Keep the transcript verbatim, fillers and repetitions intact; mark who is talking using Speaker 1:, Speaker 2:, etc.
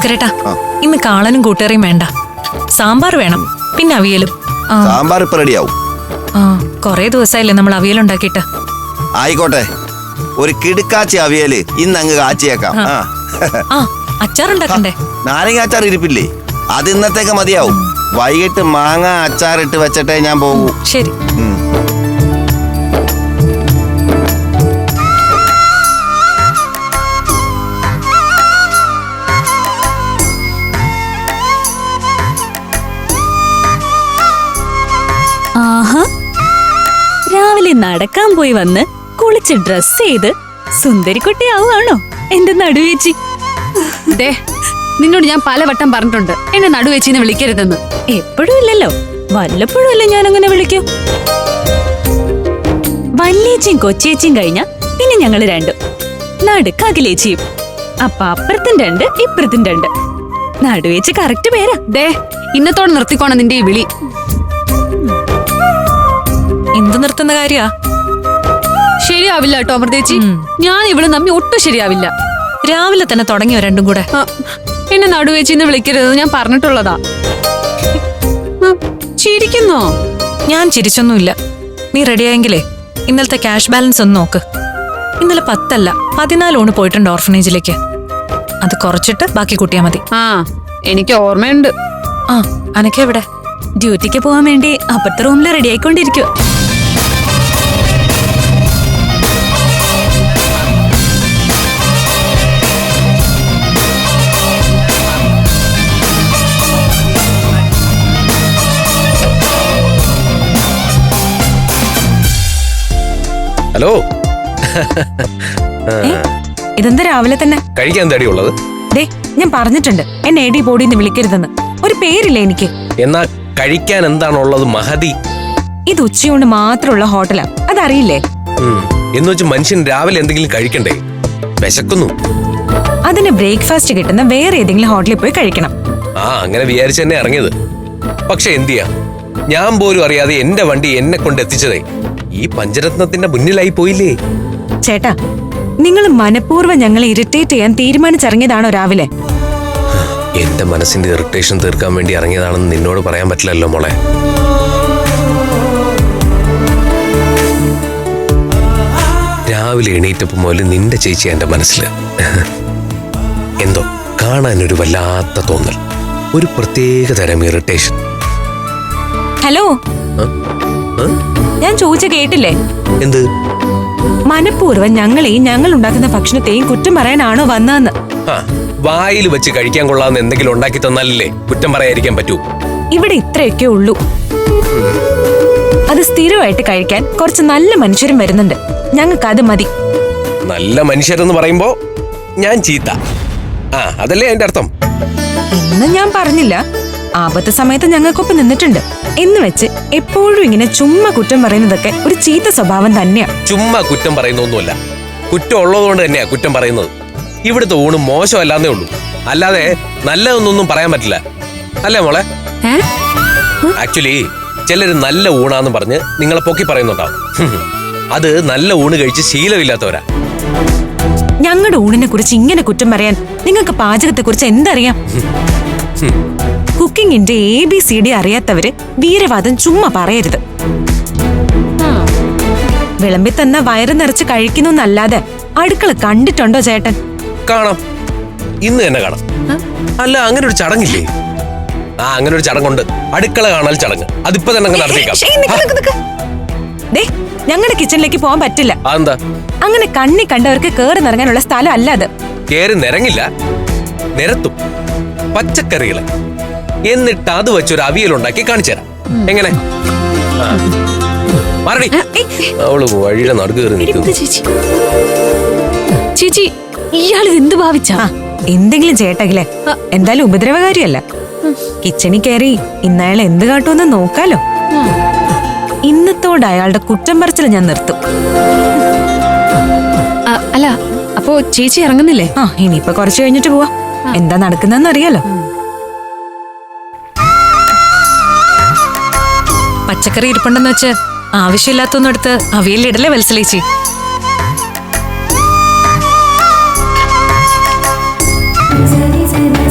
Speaker 1: ഭാസ്കരേട്ടാ, ഇന്ന് കാളനും കൂട്ടുകറിയും വേണ്ട, സാമ്പാർ വേണം, പിന്നെ അവിയലും.
Speaker 2: സാമ്പാർ ഇപ്പൊ റെഡിയാവും.
Speaker 1: ആ കൊറേ ദിവസമായില്ലേ നമ്മൾ അവിയൽ ഉണ്ടാക്കിയിട്ട്.
Speaker 2: ആയിക്കോട്ടെ, ഒരു കിടുക്കാച്ചി അവിയല് ഇന്ന് അങ്ങ് കാച്ചിയേക്കാം.
Speaker 1: ആ അച്ചാർ ഉണ്ടാക്കണ്ടേ?
Speaker 2: നാരങ്ങ അച്ചാർ ഇരിപ്പില്ലേ, അത് ഇന്നത്തേക്ക് മതിയാവും. വൈകിട്ട് മാങ്ങ അച്ചാറിട്ട് വെച്ചിട്ടേ ഞാൻ പോകൂ.
Speaker 1: ശരി.
Speaker 3: ആഹാ, രാവിലെ നടക്കാൻ പോയി വന്ന് കുളിച്ച് ഡ്രസ് ചെയ്ത് സുന്ദരിക്കുട്ടിയാവുകയാണോ എന്റെ നടുവേച്ചി?
Speaker 4: ദേ, നിന്നോട് ഞാൻ പലവട്ടം പറഞ്ഞിട്ടുണ്ട് എന്നെ നടുവേച്ചിന്ന് വിളിക്കരുതെന്ന്.
Speaker 3: എപ്പോഴും ഇല്ലല്ലോ, വല്ലപ്പോഴും അല്ലേ ഞാൻ അങ്ങനെ വിളിക്കൂ. വല്യേച്ചിയും കൊച്ചേച്ചിയും കഴിഞ്ഞ പിന്നെ ഞങ്ങള് രണ്ടും, നടുക്ക് അഖിലേച്ചിയും. അപ്പൊ അപ്പുറത്തും രണ്ട് ഇപ്പുറത്തും രണ്ട്. നടുവേച്ചി കറക്റ്റ് പേരാ.
Speaker 4: ദേ, ഇന്നത്തോടെ നിർത്തിക്കോണം നിന്റെ ഈ വിളി.
Speaker 1: എന്ത് നിർത്തുന്ന കാര്യാ?
Speaker 4: ശരിയാവില്ല കേട്ടോ അമൃതേച്ചി, ഞാൻ ഇവിടെ നമ്മി ഒട്ടും ശരിയാവില്ല.
Speaker 1: രാവിലെ തന്നെ തുടങ്ങിയോ രണ്ടും കൂടെ?
Speaker 4: എന്നെ നടുവേച്ചിന്ന് വിളിക്കരുത് ഞാൻ പറഞ്ഞിട്ടുള്ളതാ. ചിരിക്കുന്നോ?
Speaker 1: ഞാൻ ചിരിച്ചൊന്നുമില്ല. നീ റെഡിയായെങ്കിലേ ഇന്നലത്തെ ക്യാഷ് ബാലൻസ് ഒന്ന് നോക്ക്. ഇന്നലെ പത്തല്ല പതിനാലോണ് പോയിട്ടുണ്ട് ഓർഫനേജിലേക്ക്. അത് കുറച്ചിട്ട് ബാക്കി കൂട്ടിയാ മതി.
Speaker 4: ആ എനിക്ക് ഓർമ്മയുണ്ട്.
Speaker 1: ആ അനക്കെവിടെ?
Speaker 3: ഡ്യൂട്ടിക്ക് പോവാൻ വേണ്ടി അപ്പുറത്തെ റൂമിൽ റെഡി ആയിക്കൊണ്ടിരിക്കുക.
Speaker 5: ഹലോ.
Speaker 1: ഇതെന്താ രാവിലെ തന്നെ?
Speaker 5: കഴിക്കാൻ തടി ഉള്ളത്?
Speaker 1: ദേ, ഞാൻ പറഞ്ഞിട്ടുണ്ട് എന്നെ എടി ബോഡിന്ന് വിളിക്കരുതെന്ന്. ഒരു പേരില്ല എനിക്ക്.
Speaker 5: എന്നാ കഴിക്കാൻ എന്താണുള്ളത് മഹതി?
Speaker 1: ഇത് ഉച്ചയൂണ് മാത്രമുള്ള ഹോട്ടലാ, അതറിയില്ലേ?
Speaker 5: എന്ന് വെച്ച് മനുഷ്യൻ രാവിലെ എന്തെങ്കിലും കഴിക്കണ്ടേ? വിശക്കുന്നു.
Speaker 1: അതിന് ബ്രേക്ക്ഫാസ്റ്റ് കിട്ടുന്ന വേറെ ഏതെങ്കിലും ഹോട്ടലിൽ പോയി കഴിക്കണം.
Speaker 5: ആ അങ്ങനെ വിചാരിച്ചു തന്നെ ഇറങ്ങിയത്. പക്ഷെ എന്തിയാ, ഞാൻ പോലും അറിയാതെ എന്റെ വണ്ടി എന്നെ കൊണ്ട് എത്തിച്ചതേ ഈ പഞ്ചരത്നത്തിന്റെ മുന്നിലായി പോയില്ലേ?
Speaker 1: ചേട്ടാ, നിങ്ങൾ മനഃപൂർവ്വം ഞങ്ങളെ ഇറിറ്റേറ്റ് ചെയ്യാൻ തീരുമാനിച്ചിറങ്ങിയതാണോ രാവിലെ?
Speaker 5: എന്റെ മനസ്സിന്റെ ഇറിറ്റേഷൻ തീർക്കാൻ വേണ്ടി ഇറങ്ങിയതാണെന്ന് നിന്നോട് പറയാൻ പറ്റില്ലല്ലോ മോളെ. രാവിലെ എണീറ്റപ്പോ മുതൽ നിന്റെ ചേച്ചി എന്റെ മനസ്സിൽ എന്തോ കാണാനൊരു വല്ലാത്ത തോന്നൽ, ഒരു പ്രത്യേക തരം ഇറിറ്റേഷൻ.
Speaker 1: ഹലോ, ഞാൻ ചോദിച്ച കേട്ടില്ലേ?
Speaker 5: എന്ത്?
Speaker 1: മനഃപൂർവ്വം ഞങ്ങളെയും ഞങ്ങൾ ഉണ്ടാക്കുന്ന ഭക്ഷണത്തെയും കുറ്റം പറയാനാണോ വന്നതെന്ന്?
Speaker 5: വായിൽ വെച്ച് കഴിക്കാൻ കൊള്ളാവുന്ന എന്തെങ്കിലും ഉണ്ടാക്കി തന്നാലല്ലേ കുറ്റം പറയാതിരിക്കാൻ പറ്റൂ.
Speaker 1: ഇവിടെ ഇത്രയൊക്കെ ഉള്ളൂ. അത് സ്ഥിരമായിട്ട് കഴിക്കാൻ കുറച്ച് നല്ല മനുഷ്യരും വരുന്നുണ്ട്. ഞങ്ങൾക്ക് അത് മതി.
Speaker 5: നല്ല മനുഷ്യരെന്ന് പറയുമ്പോ ഞാൻ ചീത്ത, ആ അതല്ലേ അതിന്റെ അർത്ഥം?
Speaker 1: എന്ന് ഞാൻ പറഞ്ഞില്ല. ആപത്ത് സമയത്ത് ഞങ്ങൾക്കൊപ്പം നിന്നിട്ടുണ്ട് എന്ന് വെച്ച് എപ്പോഴും ഇങ്ങനെ ചുമ്മാ കുറ്റം പറയുന്നതൊക്കെ ഒരു ചീത്ത സ്വഭാവം തന്നെയാ.
Speaker 5: ചുമ്മാ കുറ്റം പറയുന്നൊന്നുമല്ല, കുറ്റം ഉള്ളതുകൊണ്ട് തന്നെയാ കുറ്റം പറയുന്നത്. ഇവിടുത്തെ ഊണ് മോശമല്ലാന്നേ ഉള്ളൂ, അല്ലാതെ നല്ലതൊന്നും പറയാൻ പറ്റില്ല. അല്ലേ മോളെ? ആക്ച്വലി ചിലര് നല്ല ഊണാന്ന് പറഞ്ഞ് നിങ്ങളെ പൊക്കി പറയുന്നുണ്ടാവും. അത് നല്ല ഊണ് കഴിച്ച് ശീലമില്ലാത്തവരാ.
Speaker 1: ഞങ്ങളുടെ ഊണിനെ കുറിച്ച് ഇങ്ങനെ കുറ്റം പറയാൻ നിങ്ങൾക്ക് പാചകത്തെ കുറിച്ച് എന്തറിയാം? കുക്കിങ്ങിന്റെ എ ബി സി ഡി അറിയാത്തവര് വീരവാദം ചുമ്മാ പറയരുത്. വിളമ്പി തന്ന വയറ് നിറച്ച് കഴിക്കുന്നല്ലാതെ അടുക്കള കണ്ടിട്ടുണ്ടോ ചേട്ടൻ?
Speaker 5: കാണാം, ഇന്ന് തന്നെ കാണാം. അല്ല അങ്ങനെ ഒരു ചടങ്ങില്ലേ? ആ അങ്ങനെ ഒരു ചടങ്ങുണ്ട്, അടുക്കള കാണൽ ചടങ്ങ്. അതിപ്പോ തന്നെ നടത്തിയേക്കാം.
Speaker 1: ഞങ്ങളുടെ കിച്ചണിലേക്ക് പോകാൻ പറ്റില്ല.
Speaker 5: അതെന്താ?
Speaker 1: അങ്ങനെ കണ്ണി കണ്ടവർക്ക് കേറി നിറങ്ങാനുള്ള സ്ഥലം അല്ല അത്.
Speaker 5: കേറി നിറങ്ങില്ല, നിരത്തും പച്ചക്കറികളെ. എന്നിട്ട് അത് വെച്ചൊരു അവിയലുണ്ടാക്കി കാണിച്ചു തരാം. എങ്ങനെ? മറടി, അവള് വഴിയുടെ നടുക്ക് കയറി നിൽക്കുന്നു.
Speaker 3: ചേച്ചി, ഇയാളിത് എന്ത് ഭാവിച്ചാ?
Speaker 1: എന്തെങ്കിലും ചേട്ടകിലെ, എന്തായാലും ഉപദ്രവകാരിയല്ല. കിച്ചണിൽ കയറി ഇന്നയാൾ എന്ത് കാട്ടുമെന്ന് നോക്കാലോ. ഇന്നത്തോടെ അയാളുടെ കുറ്റം പറച്ചിൽ ഞാൻ നിർത്തും.
Speaker 4: അല്ല, അപ്പോ ചേച്ചി ഇറങ്ങുന്നില്ലേ?
Speaker 1: ആ ഇനിയിപ്പൊ കുറച്ച് കഴിഞ്ഞിട്ട് പോവാ. എന്താ നടക്കുന്നതെന്ന് അറിയാലോ. പച്ചക്കറി ഇരിപ്പുണ്ടെന്ന് വെച്ച് ആവശ്യമില്ലാത്തൊന്നും എടുത്ത് അവിയലിടല്ലേ വത്സലേച്ചി?
Speaker 6: Zari zari